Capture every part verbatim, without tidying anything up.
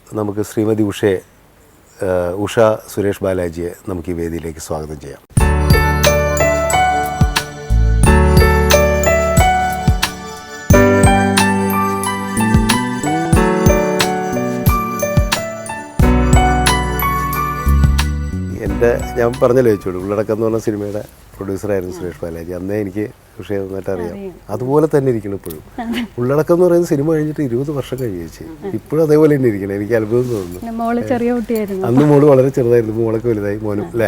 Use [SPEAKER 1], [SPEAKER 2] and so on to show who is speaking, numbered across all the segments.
[SPEAKER 1] നമുക്ക് ശ്രീമതി ഉഷയെ ഉഷ സുരേഷ് ബാലാജിയെ നമുക്ക് ഈ വേദിയിലേക്ക് സ്വാഗതം ചെയ്യാം. എൻ്റെ ഞാൻ പറഞ്ഞല്ലോ ചോദിച്ചോളൂ, ഉള്ളടക്കം എന്ന് പറഞ്ഞ സിനിമയുടെ പ്രൊഡ്യൂസറായിരുന്നു സുരേഷ് ബാലാജി. അന്നേ എനിക്ക് ഉഷയെ നന്നായിട്ട് അറിയാം. അതുപോലെ തന്നെ ഇരിക്കണം ഇപ്പോഴും. ഉള്ളടക്കം എന്ന് പറയുന്ന സിനിമ കഴിഞ്ഞിട്ട് ഇരുപത് വർഷം കഴിച്ചു, ഇപ്പോഴും അതേപോലെ തന്നെ ഇരിക്കണം. എനിക്ക് അത്ഭുതം തോന്നുന്നു. അന്ന് മോള് വളരെ ചെറുതായിരുന്നു, മോളൊക്കെ വലുതായി. മോനും അല്ലേ?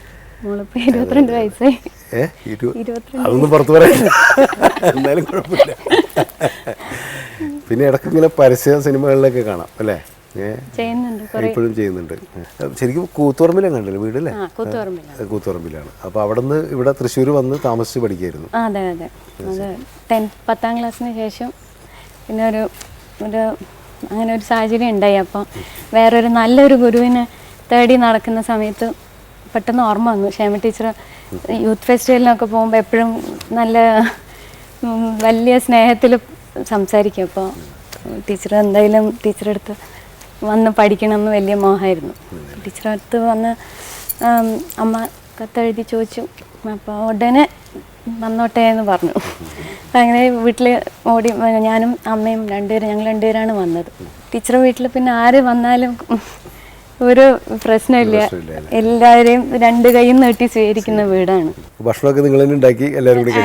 [SPEAKER 1] ഏഹ് അതൊന്നും പുറത്ത് പറയാം, എന്നാലും കുഴപ്പമില്ല. പിന്നെ ഇടയ്ക്ക് ഇങ്ങനെ പരസ്യ സിനിമകളിലൊക്കെ കാണാം അല്ലേ? ഇപ്പോഴും ചെയ്യുന്നുണ്ട്. ശരിക്കും കൂത്തുപറമ്പിലാണ് കണ്ടല്ലോ വീടല്ലേ? കൂത്തുപറമ്പിലാണ്. അപ്പോൾ അവിടെ നിന്ന് ഇവിടെ തൃശ്ശൂർ വന്ന് താമസിച്ച് പഠിക്കായിരുന്നു.
[SPEAKER 2] അതെ അതെ അത് ടെൻത്ത് പത്താം ക്ലാസ്സിന് ശേഷം പിന്നെ ഒരു ഒരു അങ്ങനെ ഒരു സാഹചര്യം ഉണ്ടായി. അപ്പം വേറൊരു നല്ലൊരു ഗുരുവിനെ തേടി നടക്കുന്ന സമയത്ത് പെട്ടെന്ന് ഓർമ്മ വന്നു. ക്ഷേമ ടീച്ചർ യൂത്ത് ഫെസ്റ്റിവലിനൊക്കെ പോകുമ്പോൾ എപ്പോഴും നല്ല വലിയ സ്നേഹത്തിൽ സംസാരിക്കും. അപ്പോൾ ടീച്ചർ എന്തായാലും ടീച്ചറെ അടുത്ത് വന്ന് പഠിക്കണമെന്ന് വലിയ മോഹമായിരുന്നു. ടീച്ചറെ അടുത്ത് വന്ന് അമ്മ കത്തെഴുതി ചോദിച്ചു. അപ്പോൾ ഉടനെ വന്നോട്ടെ എന്ന് പറഞ്ഞു. അപ്പം അങ്ങനെ വീട്ടിൽ ഓടി ഞാനും അമ്മയും രണ്ടുപേരും ഞങ്ങൾ രണ്ടുപേരാണ് വന്നത്. ടീച്ചറെ വീട്ടിൽ പിന്നെ ആര് വന്നാലും ഒരു പ്രശ്നമില്ല, എല്ലാവരെയും രണ്ട് കൈയും നീട്ടി സ്വീകരിക്കുന്ന വീടാണ്.
[SPEAKER 1] ഭക്ഷണമൊക്കെ നിങ്ങൾ തന്നെ ഉണ്ടാക്കി എല്ലാവരും കൂടി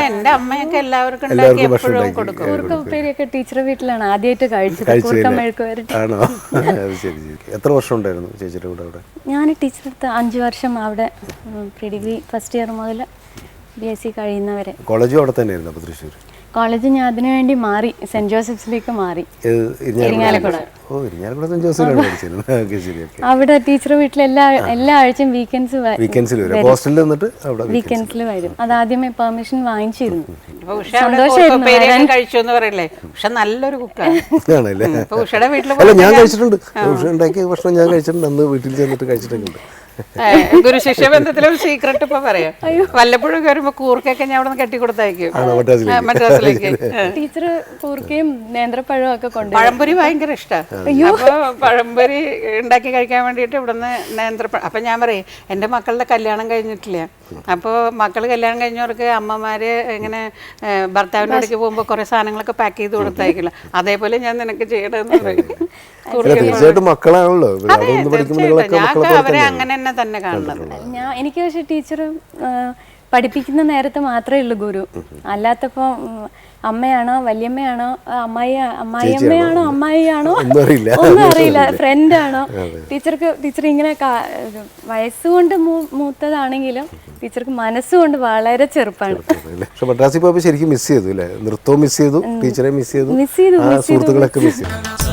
[SPEAKER 2] ഉപ്പേരിയൊക്കെ ടീച്ചറെ വീട്ടിലാണ് ആദ്യമായിട്ട് കഴിച്ചത്.
[SPEAKER 1] ആണോ? ശരി ശരി. എത്ര വർഷം ഉണ്ടായിരുന്നു ചേച്ചിയുടെ കൂടെ അവിടെ?
[SPEAKER 2] ഞാൻ ടീച്ചറെ അടുത്ത് അഞ്ച് വർഷം അവിടെ പ്രീ ഡിഗ്രി ഫസ്റ്റ് ഇയർ മുതൽ ബി എസ് സി കഴിയുന്നവരെ.
[SPEAKER 1] കോളേജും അവിടെ തന്നെയായിരുന്നു? അപ്പോൾ തൃശ്ശൂർ
[SPEAKER 2] കോളേജ് ഞാൻ അതിനു വേണ്ടി മാറി, സെന്റ് ജോസഫ്സിലേക്ക് മാറി. അവിടെ ടീച്ചർ വീട്ടിൽ എല്ലാ എല്ലാ ആഴ്ചയും വീക്കെൻഡ്സ് വീക്കെൻഡ്സിൽ വരും. അത് ആദ്യമേ പെർമിഷൻ വാങ്ങിച്ചിരുന്നു.
[SPEAKER 3] നല്ലൊരു
[SPEAKER 1] ഞാൻ കഴിച്ചിട്ടുണ്ട്, ഉഷ ഉണ്ടാക്കിയ ഭക്ഷണം ഞാൻ കഴിച്ചിട്ടുണ്ട്. അന്ന് വീട്ടിൽ ചെന്നിട്ട് കഴിച്ചിട്ടുണ്ട്.
[SPEAKER 3] ഗുരു ശിഷ്യ ബന്ധത്തിലും സീക്രട്ട് ഇപ്പൊ പറയാം. വല്ലപ്പോഴും വരുമ്പോ കൂർക്കൊക്കെ ഞാൻ അവിടെ നിന്ന് കെട്ടിക്കൊടുത്തയക്കും മദ്രാസിലേക്ക്.
[SPEAKER 2] ടീച്ചർ കൂർക്കയും നേന്ത്രപ്പഴവും ഒക്കെ കൊണ്ട്
[SPEAKER 3] പഴംപൊരി ഭയങ്കര ഇഷ്ടമാണ്. അപ്പൊ പഴംപൊരി ഉണ്ടാക്കി കഴിക്കാൻ വേണ്ടിയിട്ട് ഇവിടുന്ന് നേന്ത്രപ്പഴം. അപ്പൊ ഞാൻ പറയും എന്റെ മക്കളുടെ കല്യാണം കഴിഞ്ഞിട്ടില്ല. അപ്പോൾ മക്കൾ കല്യാണം കഴിഞ്ഞവർക്ക് അമ്മമാര് ഇങ്ങനെ ഭർത്താവിൻ്റെ അടുക്ക് പോകുമ്പോൾ കുറെ സാധനങ്ങളൊക്കെ പാക്ക് ചെയ്ത് കൊടുത്തയക്കില്ല. അതേപോലെ ഞാൻ നിനക്ക് ചെയ്യണമെന്ന് പറയും.
[SPEAKER 1] മക്കളാണല്ലോ
[SPEAKER 3] അവരെ അങ്ങനെ തന്നെ തന്നെ കാണുന്നത്.
[SPEAKER 2] ഞാൻ എനിക്ക് പക്ഷെ ടീച്ചർ പഠിപ്പിക്കുന്ന നേരത്തെ മാത്രമേ ഉള്ളൂ ഗുരു. അല്ലാത്തപ്പോ അമ്മയാണോ വല്യമ്മയാണോ അമ്മായി അമ്മായിയമ്മയാണോ അമ്മായിയാണോ ഒന്നും അറിയില്ല, ഫ്രണ്ടാണോ. ടീച്ചർക്ക് ടീച്ചർ ഇങ്ങനെ വയസ്സുകൊണ്ട് മൂത്തതാണെങ്കിലും ടീച്ചർക്ക് മനസ്സുകൊണ്ട് വളരെ ചെറുപ്പാണ്.
[SPEAKER 1] മദ്രാസിൽ പോയപ്പോൾ ശരിക്കും മിസ് ചെയ്തു അല്ലേ? നൃത്തവും മിസ് ചെയ്തു, ടീച്ചറെ മിസ് ചെയ്തു,
[SPEAKER 2] മിസ് ചെയ്തു
[SPEAKER 1] സുഹൃത്തുക്കളൊക്കെ മിസ് ചെയ്തു.